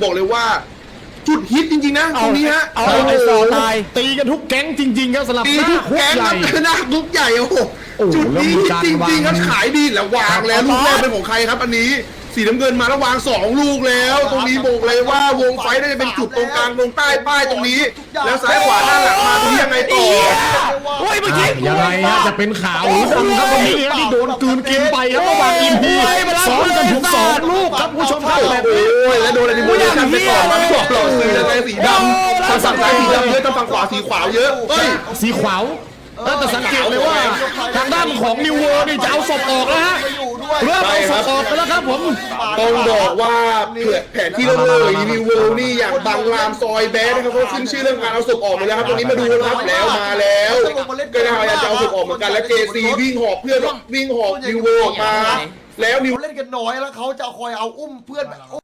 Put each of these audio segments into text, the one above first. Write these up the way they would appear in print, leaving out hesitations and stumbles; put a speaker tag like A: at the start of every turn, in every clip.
A: บอกเลยว่าจุดฮิตจริงๆนะตรงนี้ฮะ
B: เอาไอ้ซอตายตีกันทุกแก๊งจริงๆครับสำหรับ
A: ตีทุกแก๊งครับหน้าคุกใหญ่โอ้โหจุดนี้ฮิตจริงๆครับขายดีแล้ววางแล้วลูกแรกเป็นของใครครับอันนี้สีน้ำเงินมาแล้ววาง2ลูกแล้วตรงนี้บอกเลยว่าวงไฟน่าจะเป็นจุดตรงกลางตรงใต้ป้ายตรงนี้แล้วซ้ายขวาด้านหลังมาตรงนี้ยังไงต่อ
B: เฮ้ยเมื่อกี้ยังไงฮะจะเป็นขาวหรือดำครับวันนี้ที่โดนกลืนกินไปครับระหว่างอินพีซ้อนกันถึง2ลูกครับผู้ชมครับแบบ
A: โอ้ยแล้วโดนอะไรที่โดนกันไปก่อนมาไม่บอกหรอกสีอะไรสีดำทางฝั่งซ้ายสีดำเยอะทางฝั่งขวาสีขาวเยอะเฮ้ย
B: สีขาวแต่สังเกตเลยว่าทางด้านของนิวเวอร์นี่จะเอาศพออกแล้วฮะเริ่มเอาศพออกไปแล้วครับผม
A: ต้องบอกว่าแผนที่เราเลยนิวเวิลด์นี่อย่างบางรามซอยแบดนะครับเขาขึ้นชื่อเรื่องการเอาศพออกไปแล้วครับตรงนี้มาดูนะครับแล้วมาแล้วก็พยายามจะเอาศพออกเหมือนกันและเจซีวิ่งหอบเพื่อนวิ่งหอบนิวเวิลด์ออกมาแล้วนิว
C: เล่นกันน้อยแล้วเขาจะคอยเอาอุ้มเพื่อนแบบ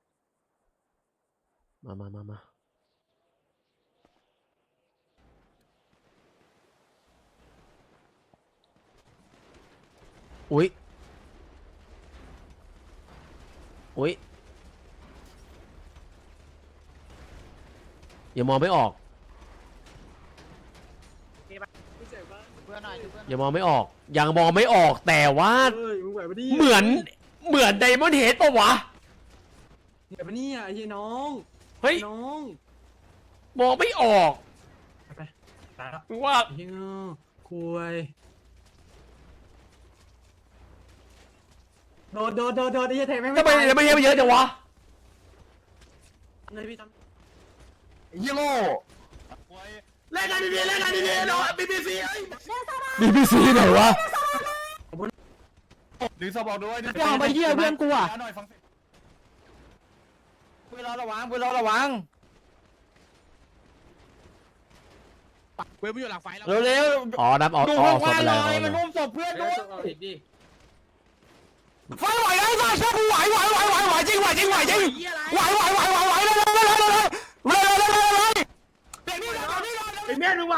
B: มาอุ๊ยอย่ามองไม่ออกอย่ามองไม่ออกยังมองไม่ออกแต่ว่าเหมือนไดมอนด์เฮดปะวะ
D: เดี๋ยวนี่ไอ้น้อง
B: เฮ้ย
D: น้อง
B: มองไม่ออก
D: ไปแล้ว
B: ว่า
D: เฮ้ยคุยโดดไอ้เทไม่
B: ทำไมไม่เยอะจังวะ
D: เลยพี่ทำ
B: เล่นกันดีๆเนาะ BBC ไหนวะ
E: ดึงสบอกด้วย
D: พี่เอาไปเยี่ยเพื่อนกูอ่ะ
E: เพื่อนเราระวังเพื่อนไม่อยู่หลังไฟแล้วเร็ว
B: อ๋อนับออก
E: ดู
B: อ
E: ข้า
B: อง ก
E: ขวา
B: ไป
E: เล
B: แล้ว
E: ยมันอุ้มศพเพื่อนดู
B: ไฟไหวแล้วไฟช่วยกูไหวจริงไหวเร็วเร็วเป็นแม่นึงว่ะ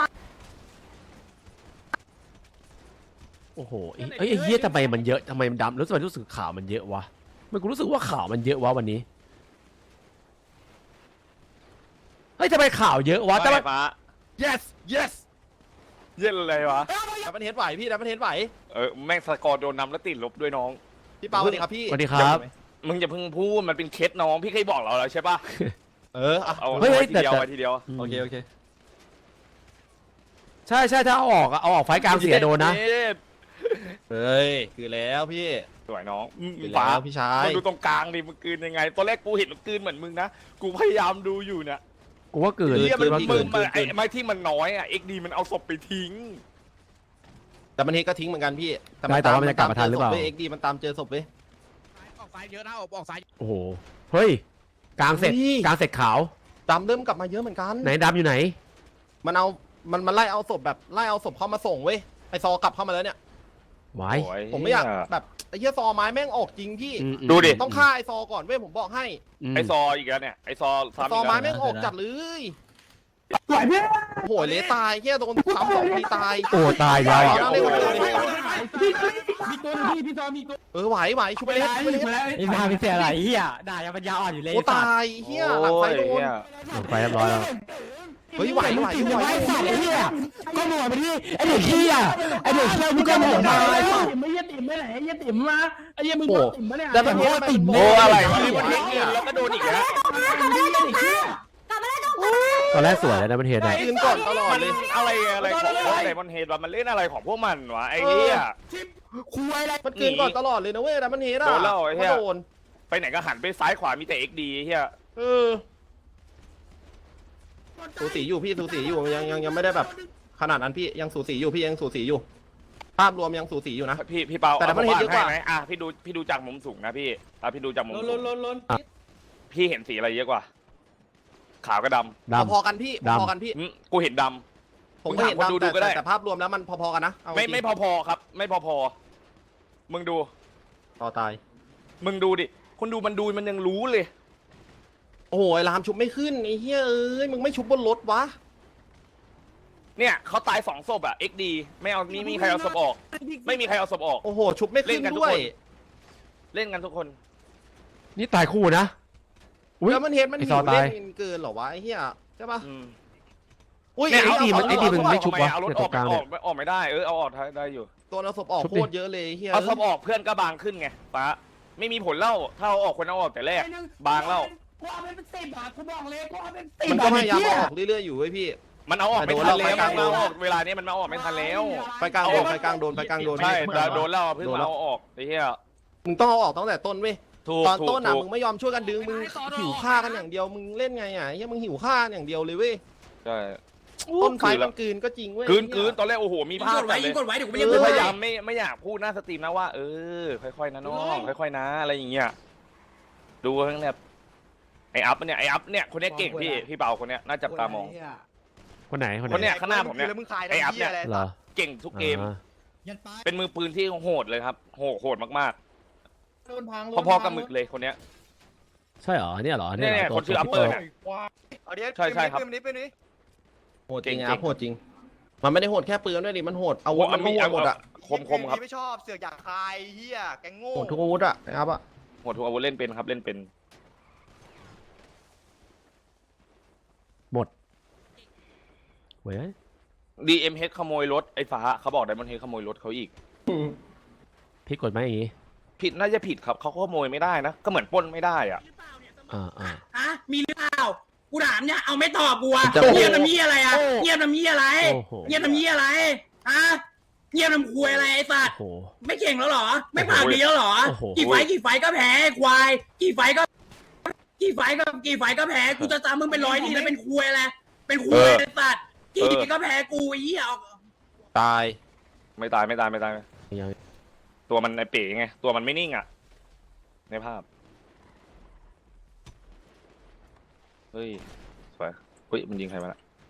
B: โอ้โหไอ้เหี้ยทำไมมันเยอะทำไมมันดำรู้สึกข่าวมันเยอะวะมันกูรู้สึกว่าข่าวมันเยอะวะวันนี้เฮ้ยทำไมข่าวเยอะวะแต่ว่า
F: yes เย็นอะไรวะ
E: ดับเบิลเฮดไหวพี่ดับเบิลเฮดไหว
F: แม่งสกอร์โดนนำแล้วติดลบด้วยน้อง
E: พี่เปาสวัสดีครับพี่
B: สวัสดีครับ
F: มึงอย่าเพิ่งพูดมันเป็นเคสน้องพี่เคยบอกเราแล้วใช่ปะ เอา
B: เฮ้ย
F: ไว้ทีเดียว
B: แต่
F: ไว้ทีเดียว
E: โอเค
B: ใช่ถ้าเอาออกไฟกลางเสียโดนนะ
E: เฮ้ยคือแล้วพี่
F: สวยน้อง
E: คือแล้วพี่ชาย
F: มึงดูตรงกลางดิมึงกลืนยังไงตอนแรกกูเห็นมึงกลืนเหมือนมึงนะกูพยายามดูอยู่เนี่ย
B: กูว่าเกิน
F: เฮียมัน
E: เกิ
F: มึ
E: น
F: งไอ้ที่มันน้อยอ่ะ XD มันเอาศพไปทิ้ง
E: ดับเบิลเฮดก็ทิ้งเหมือนกันพี่
B: แต่ว่ามันจะกลับมาทันหรือเปล่า
E: เอ็กดีมันตามเจอศพเว้ย
F: ออกซ้ายเยอะนะออกซ้าย
B: โอ้โหเฮ้ยกลางเสร็จ
E: เฮ้ย
B: กลางเสร็จขาว
E: ดำเริ่มกลับมาเยอะเหมือนกัน
B: ไหนดำอยู่ไหน
E: มันไล่เอาศพแบบไล่เอาศพเข้ามาส่งเว้ยไอซอกลับเข้ามาแล้วเนี่ย
B: ไว้
E: ผมไม่อยากแบบไอ้เหี้ยซอไม้แม่งออกจริงพี่
F: ดูดิ
E: ต้องฆ่าไอซอก่อนเว้ยผมบอกให้
F: ไอซออีกแล้วเนี่ยไอซอซ้ำ
E: ซอ
F: อีก
E: ไม้
F: แล้ว
E: แม่งออกจัดเลยโหยเลตายเหี้ยโดนซ้ำ2 ทีตาย
B: โอ้ตายแล้วอ่ะ
E: เอาเลย
D: มีตัวพี่ซอมีตัว
E: ไหวชุบไปเลย
D: ไอ้มาเป็นเสียอะไรเฮียด่ายังปัญญาอ่อนอยู่เลย
E: โอ้ตายเหี้ยหลังไฟโดน
B: ลงไปเรียบร้อยแล้ว
E: เฮ้ยไหว
D: ไอ้สัตว์ไอ้เฮียก็หมดไปที่ไอ้เด็กเฮียมึงก็หมดมาไอ้ไม่ยัดติ่มไม่ไหนยัดติ่มมาไอ้ยังมึงติ่มมาเนี่ย
E: แต่แบบนี้ติ่ม
F: โอ้อะไรวะนี่มันเงินแล้วก็โดนอีกแล้ว
B: ตอนแรกสวยแล้วนะมันเห็นไหน
E: ยืนก่อนตลอด
F: มัน
E: เลย
F: อะไรของพวกไดมอนเฮดวะมันเล่นอะไรของพวกมันวะไอ้เหี้ย
E: มันเกินก่อนตลอดเลยนะเว้ยแต่มันเฮดอ่ะ
F: โดนแล้วไอ้เหี้ย
E: โดน
F: ไปไหนก็หันไปซ้ายขวามีแต่ XD เฮีย
E: สูสีอยู่พี่สูสีอยู่ยังไม่ได้แบบขนาดนั้นพี่ยังสูสีอยู่พี่ยังสูสีอยู่ภาพรวมยังสูสีอยู่นะ
F: พี่เปา
E: แต่มันเห็นเยอะกว่า
F: ไหมพี่ดูจากมุมสูงนะพี่พี่ดูจากมุมสูง
D: ล้น
F: พี่เห็นสีอะไรเยอะกว่า ขาวกับด
B: ดำ
E: พอๆกันพี่พอๆกันพี่
F: ำกูเห็นด
E: ผมก็เห็น
F: มึงถามคนดูก็ได้
E: แต่ภาพรวมแล้วมันพอๆกันนะเอา
F: ำไม่พอๆครับ ไม่พอๆมึงดู
E: ต่อตาย
F: มึงดูดิคนดูมันยังรู้เลย
E: โอ้ยรามชุบไม่ขึ้นไอ้เฮ้ยเอ้ยมึงไม่ชุบบนรถวะ
F: เนี่ยเขาตาย2 ศพอะ XD ไม่เอามีใครเอาศพออก ไม่มีใครเอาศพออก
E: โอ้โหชุบไม่ขึ้น
F: เล่นกันทุก
E: ด้วย
F: คน เล่นกันทุกคน
B: นี่ตายคู่นะอุ๊ย
E: แล้วมันเฮดมัน
B: ไอ้
E: หิ
B: ซอ
E: ว
B: ตาย
E: เล่นเกินเหรอวะไอ้เหี้ยใช่ปะ
F: อืม
E: อุ้ย
F: เนี่ย
B: ไอ้ทีมมันไอ้ทีมมันไม่ชุบวะ
F: เอารถ
B: เนี่ย
F: อ
B: ตร
F: อก
B: งกลางเนี่ย
F: ออกไม่ได้เอาออกได้อยู่
E: ตัวเราศพออก
B: ชุบ
E: โค
B: ดิ
E: ตรเยอะเลยไอ้เหี้ย
F: เอาศพออกเพื่อนก็บางขึ้นไงป้าไม่มีผลเล่าถ้าเอาออกคนเอาออกแต่แรกบางเล่า
D: กูเอาเป็น10บาทกูบอกเลยกูเอาเป็น10
E: มันก็พยายาม
D: บาท
E: เอาออกเรื่อยๆอยู่เว้ยพี่
F: มันเอาออกไม่ทันแล้ว
E: แต่
F: มัน
E: โดน
F: เอา
E: แล้ว
F: ออกเวลานี้มันเอาออกไม่ทันแล้ว
E: ไฟกลางโดนไฟกลางโดนไฟกลางโดน
F: ใช่แต่โดนแล้วเพิ่งเอาออกไอ้เหี้ย
E: มึงต้องเอาออกตั้งแต่ต้นเว้ย
F: ถูก
E: ตอน
F: ถูก
E: ต้นอ่ะ
F: ถูก
E: มึงไม่ยอมช่วยกันดึงมึงหิวฆ่ากันอย่างเดียวมึงเล่นไงอ่ะไอ้เหี้ยมึงหิวฆ่าอย่างเดียวเลยเว้ย
F: ใช่
E: ต้นไฟมันกลืนก็จริงเว้ย
F: กลืนตอนแรกโอ้โหมีภาพเลย
D: เดี๋ยวกูไม่
F: คือ
D: ยัง
F: พยายามไม่อยากพูดหน้าสตรีมนะว่าค่อยๆนะน้องค่อยๆนะอะไรอย่างเงี้ยดูทั้งแบบไออัพเนี่ยคนนี้เก่งพี่เปาคนเนี้ยน่าจับตามอง
B: คนไหน
F: คนเนี้ยข้างหน้าผมเนี่ยไออัพเนี่ย
B: เหรอ
F: เก่งทุกเกม
B: อ่า
F: เป็นมือปืนที่โหดเลยครับโหดมากๆพอๆกับหมึกเลยคนเนี้ย
B: ใช่เหรอเนี่ยเหรอเนี่ยเหร
F: เนี่ย
B: อ
F: คนชื่ออัปเปอร์เนี่ย ใช่ครับ
E: โหดจริง
F: เก่ง
E: อ่ะโหดจริง มันไม่ได้โหดแค่ปืนด้วยดิมันโหดอาวุธมันก็โหดอ่ะ
F: คมครับ
G: ไม่ชอบเสือกอยากคายเฮียแกงโง่
E: โหดทุกอาวุธอ่ะนะครับอ่ะ
F: โหดทุกอาวุธเล่นเป็นครับเล่นเป็น
B: หมดเว้ย
F: DMH ขโมยรถไอ้ฟ้าเขาบอกไดมอนด์เฮดขโมยรถเขาอีก
B: พี่กดไหมอย่างงี้
F: ผิดน่าจะผิดครับเขาขโมยไม่ได้นะก็เหมือนปล้นไม่ได้อ่ะ
B: อ่า
D: ฮะมีหรือเปล่ากูถามเนี่ยเอาไม่ตอบกูอะ
E: จะ
D: เงียบน้ำยี่อะไรอะเงียบน้ำยี่อะไร
B: โอ้โห
D: เงียบน้ำยี่อะไรฮะเงียบน้ำคุยอะไรไอ้สัตว์
B: โอ้โห
D: ไม่เก่งแล้วเหรอ ไม่ปากดีแล้วเหรอ
B: โอ้โห
D: กี่ไฟต์ก็แพ้ควายกี่ไฟต์ก็แพ้กูจะตามมึงเป็น100ทีแล้วเป็นคุยอะไรเป็นคุยไอ้สัตว์กี่ทีก็แพ้กูไอ้เหี้ยเอา
E: ตาย
F: ไม่ตาย
B: ยัง
F: ตัวมันไอเป๋ไงตัวมันไม่นิ่งอ่ะในภาพเฮ้ยสวยเฮ้ยมันยิงใครมาละ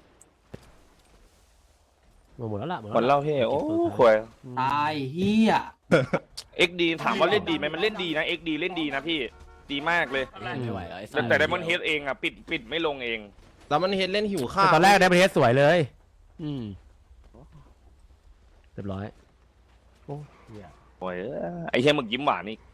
B: หมดแล้วล่ะ
F: หมดเล่าเฮ้โอ้ควย
D: ตายเหี้ย
F: XD ถามว่าเล่นดีไหมมันเล่นดีนะ XD เล่นดีนะพี่ดีมากเลย
B: ไม่ไหวไอ้สั
F: แต่ไดมอนด์เฮดเองอ่ะปิดไม่ลงเอง
E: แล้วมันเห็นเล่นหิวข้าว
B: ตอนแรกได้ประเทศสวยเลยเรียบร้อยโอ้เหี้ย
F: โอ้ยไอ้เหี้ยหมึกยิ้มหวานนี่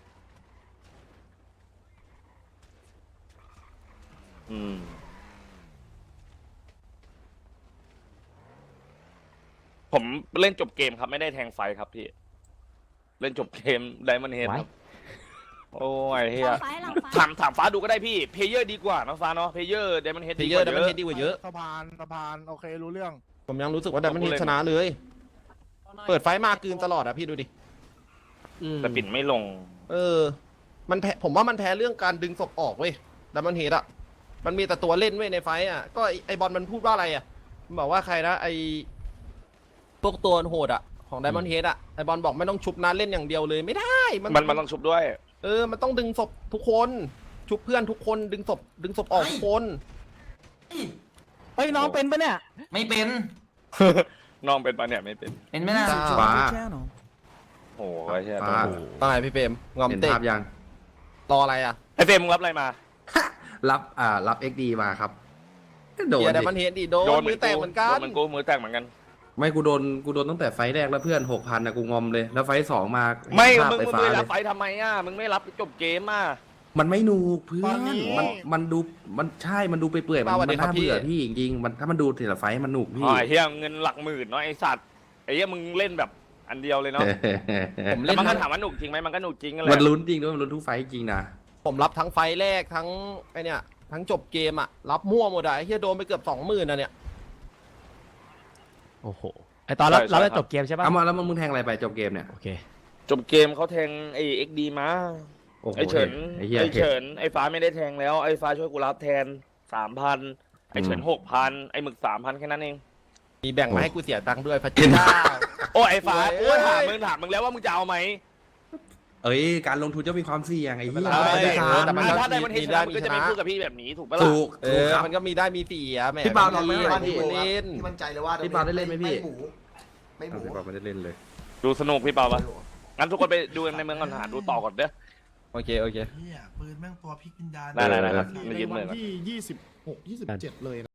F: ผมเล่นจบเกมครับไม่ได้แทงไฟครับพี่ เล่นจบเกมไดมอนด์เฮดครับโอ้ยเฮียถามฟ้าดูก็ได้พี่เพเยอร์ดีกว่านะฟ้าเนาะเพเยอร์ไดมอนด์เฮด
E: เพ
F: ดี
E: เย
F: ก
E: อร์
F: ว่า
E: แต่
F: เย
E: มัน
F: อะ
E: เฮดดีกว่าเยอะ
G: สะพานโอเครู้เรื่อง
E: ผมยังรู้สึกว่าแต่มันเฮดชนะเลย เปิดไฟมากลืนตลอดอ่ะพี่ดูดิ
F: แต่ปิดไม่ลง
E: มันแพ้ผมว่ามันแพ้เรื่องการดึงศพออกเว้ยแต่มันเฮดอ่ะมันมีแต่ตัวเล่นเว้ยในไฟอ่ะก็ไอบอลมันพูดว่าอะไรอ่ะมันบอกว่าใครนะไอพวกตัวโหดอ่ะของไดมอนด์เฮดอ่ะไอบอลบอกไม่ต้องชุบนะเล่นอย่างเดียวเลยไม่ได้
F: มันต้องชุบด้วย
E: มันต้องดึงศพทุกคนชุบเพื่อนทุกคนดึงศพออกทุกคน
D: เฮ้ยน้องเป็นปะเนี่ย
C: ไม่เป็น
F: น้องเป็นปะเนี่ยไม่เป็น
C: เป็นไหมล่ะ
H: ฟ้า
F: โอ้ยเฮีย
H: ฟ้า
E: ตายพี่เปรมงอม
H: เห็น
E: เตะ
H: ภาพยัง
E: รออะไรอ่ะ
F: ไอเฟรมมึงรับอะไรมา
H: รับ XD มาครับโดน
E: เดี๋ยวได
H: ดิ
E: มอนด์เฮดดิโดนมือแตกเหมือนกัน
F: โดนมือแตกเหมือนกัน
H: ไม่กูโดนตั้งแต่ไฟล์แรกแล้วเพื่อน 6,000นะกูงอมเลย แล้วไฟล์2มา
F: ไม่
H: ภาพ
F: มึง
H: ไฟฟ้า
F: ไม่
H: เล
F: รับ
H: ย
F: ไฟทำไมอ่ะมึงไม่รับจบเกมอ่ะ
H: มันไม่หนูกเพื่อน มันดูมันใช่มันดูไปเปื่อยมัน
E: สวัสดีครับ
H: น่าเบื่อ
E: พี่
H: พี่จริงๆมันถ้ามันดูแต่ละไฟล์มันหนุกพี่
F: อ๋อไอ้เฮียเงินหลักหมื่นเนาะไอสัตว์ไอ้เฮียมึงเล่นแบบอันเดียวเลยเนาะ
E: ผม
F: แต่
E: เล่น
F: มันก็
E: ทั้ง
F: ถามว่าหนุกจริงไหมมันก็หนุกจริงนั่นแห
H: มัน
F: ละ
H: ลุ้นจริงด้วยมันลุ้นทุกไฟล์จริงนะ
E: ผมรับทั้งไฟแรกทั้งไอเนี่ยทั้งจบเกมอ่ะรับมั่วหมดอ่ะไอ้เฮียโดนไปเกือบ 20,000นะเนี่ย
B: โอ้โหไอตอนเราได้จบเกมใช่ป่ะ
H: เอามาแล้วมึงแทงอะไรไปจบเกมเนี่ย
B: โอเค
F: จบเกมเขาแทงไอ้ XD มา
H: โอ้โห
F: ไอ้เฉิน
H: ไอ้เหี้ย
F: ไอ้เฉินไอ้ฟ้าไม่ได้แทงแล้วไอ้ฟ้าช่วยกูรับแทน 3,000ไอ้เฉิน 6,000ไอ้หมึก 3,000แค่นั้นเอง
E: มีแบ่งมาให้กูเสียตังค์ด้วยพระเจ้า
F: โอ้ไอ้ฟ้า
E: โอ้
F: กู
E: ย
F: ถามมึงแล้วว่ามึงจะเอาไหม
H: เอ้ยการลงทุนจะมีความเสี่ยงไอ้เหี้ย
E: ไม่เป็นไร
F: แต่มัน
E: ก็
F: ถ้าได้มันเห็น
E: มีได้
F: มึงก็จะไม่
E: มีชนะ
F: พูดกับพี่แบบนี้ถูกปะล่ะ
H: ถูก ครับ
E: มันก็มีได้มีเสียแหม
C: พี่บ่าวลองไหม
E: พี่
C: ว่า
E: พี่เล่น
C: พี่มั่นใจเลยว่า
H: พี่บ่าวได้เล่นไหมพี่
C: ไม่หมูไม่หมู
H: พี่บอกไม่ได้เล่นเลย
F: ดูสนุกพี่เปาปะงั้นทุกคนไปดูในเมืองก่อนหาดูต่อก่อนเด้อ
E: โอเค
G: เฮียปืนแม่งตัวพลิกวิญญาณ
F: ได้
H: ครับ
F: ไม่ยืมเลย
A: ที่26 27เลย